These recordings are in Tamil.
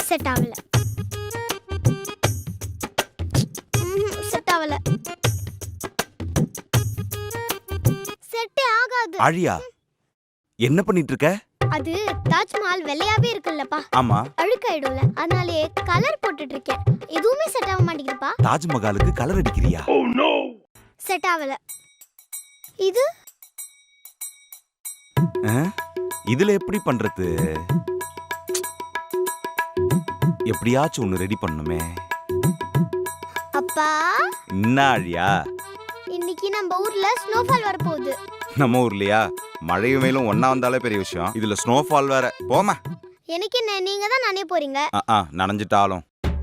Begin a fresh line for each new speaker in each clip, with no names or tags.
செட் ஆகல. செட் ஆகல. செட்டே ஆகாது.
ஆழியா, என்ன பண்ணிட்டு இருக்க?
அது தாஜ்மஹால் வெள்ளையாவே இருக்குல்லப்பா,
ஆமா,
அழுக்காயிடும்ல, அதனாலே கலர் போட்டுட்டு இருக்கேன். எதுவுமே செட் ஆக மாட்டேங்குதுப்பா.
தாஜ்மஹாலுக்கு கலர் அடிக்கிறியா?
செட் ஆகல. இது
இதுல எப்படி பண்றது? எப்படியாச்சும் ஒண்ணு ரெடி பண்ணுமே.
அப்பா,
என்ன ஆழியா?
இன்னைக்கு நம்ம ஊர்ல ஸ்னோஃபால் வர போகுது.
நம்ம ஊர்லயா? மழையும் வெயிலும் ஒண்ணா வந்தாலே பெரிய விஷயம், இதுல ஸ்னோஃபால் வேற. போமா.
எனக்கு என்ன, நீங்க தான் நானே போறீங்க.
நனைஞ்சிட்டாலும்.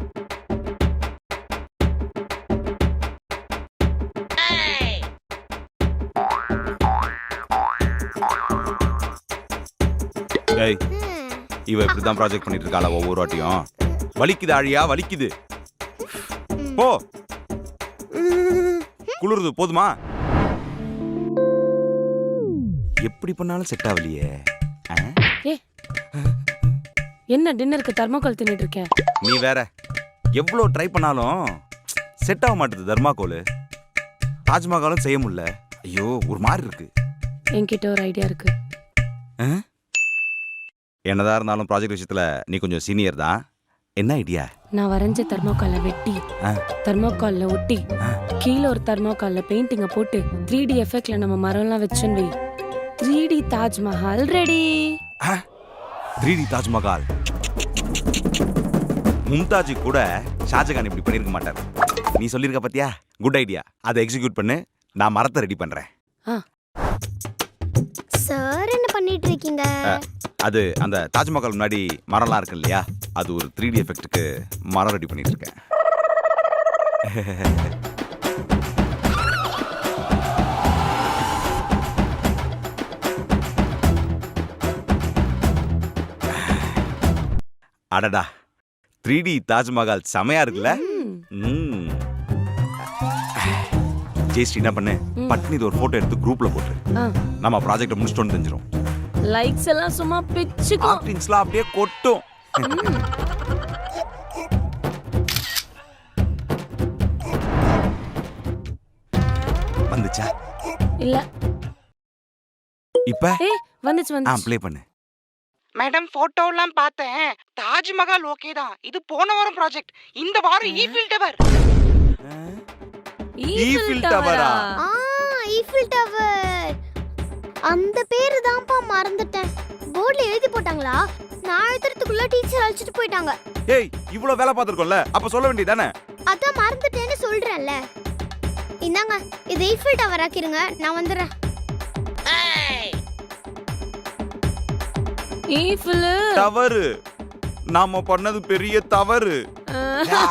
ஏய், இவ இப்படிதான் ப்ராஜெக்ட் பண்ணிட்டு இருக்காளா ஒவ்வொரு வாட்டியும்? வலிக்குது ஆழியா, வலிக்குது. போ, குளிருது, போதுமா? எப்படி பண்ணாலும் செட் ஆகலையே.
என்ன டின்னருக்கு தர்மாக்கோல் தின்னுட்டு இருக்கேன்?
நீ வேற, எவ்வளவு ட்ரை பண்ணாலும் செட் ஆக மாட்டேது தர்மாக்கோல். தாஜ்மஹாலும் செய்ய முடியல. ஐயோ, ஒரு மாதிரி இருக்கு.
என்கிட்ட ஒரு ஐடியா இருக்கு.
என்னதான் இருந்தாலும் ப்ராஜெக்ட் விஷயத்துல நீ கொஞ்சம் சீனியர் தான். என்ன ஐடியா?
நான் வரைஞ்ச தர்மாக்கால வெட்டி தர்மாக்கால்ல ஒட்டி கீழே ஒரு தர்மாக்கால்ல பெயிண்டிங்க போட்டு 3D எஃபெக்ட்ல நம்ம மரம்லாம் வச்சுன்னு வை. 3D Taj Mahal ready.
3D Taj Mahal. மும்தாஜி கூட ஷாஜகான் இப்படி பண்ணிருக்க மாட்டார். நீ சொல்லிருக்க பாத்தியா? Good idea. அதை எக்ஸிக்யூட் பண்ணு, நான் மரத்தை ரெடி பண்றேன்.
சார், என்ன பண்ணிட்டு இருக்கீங்க?
அது அந்த தாஜ்மஹால் முன்னாடி மரம்லாம் இருக்கு இல்லையா, அது ஒரு 3D எஃபெக்ட்டுக்கு மரம் ரெடி பண்ணிட்டு இருக்கேன். அடடா, 3D தாஜ்மஹால் செமையா இருக்குல்ல? ஜெயஸ்ரீ என்ன பண்ணு, பட்னி ஒரு போட்டோ எடுத்து குரூப்ல போட்டு நம்ம ப்ராஜெக்ட் முடிச்சிட்டோம்னு தெரிஞ்சிரும்.
லைக்ஸ் எல்லாம் சும்மா பிச்சுக்கும்.
ஆர்டிஸ்ட்லாம் அப்படியே கொட்டும். வந்துச்சா?
இல்ல.
இப்ப
வந்துச்சு.
ப்ளே பண்ணு.
மேடம், போட்டோலாம் பார்த்தேன். தாஜ்மஹால் ஓகே தான். இது போன வாரம் ப்ராஜெக்ட். இந்த வாரம் ஈஃபில் டவர்.
ஈஃபில் டவரா?
Eiffel tower. அந்த பேரு தான்ப்பா மறந்துட்டேன். போர்ட்ல எழுதி போட்டாங்களா? நான் எழுதுறதுக்குள்ள டீச்சர் அழைச்சிட்டு போயிட்டாங்க.
ஏய், இவ்வளவு வேலை பார்த்திருக்கோம்ல, அப்ப சொல்ல வேண்டியதானே?
அதான் மறந்துட்டேன்னு சொல்றேன்ல. இந்தாங்க, இது ஈஃபில் டவர் ஆக்கிருங்க, நான் வந்துடுறேன்.
Eiffel
tower. நாம பண்ணது பெரிய தவறு.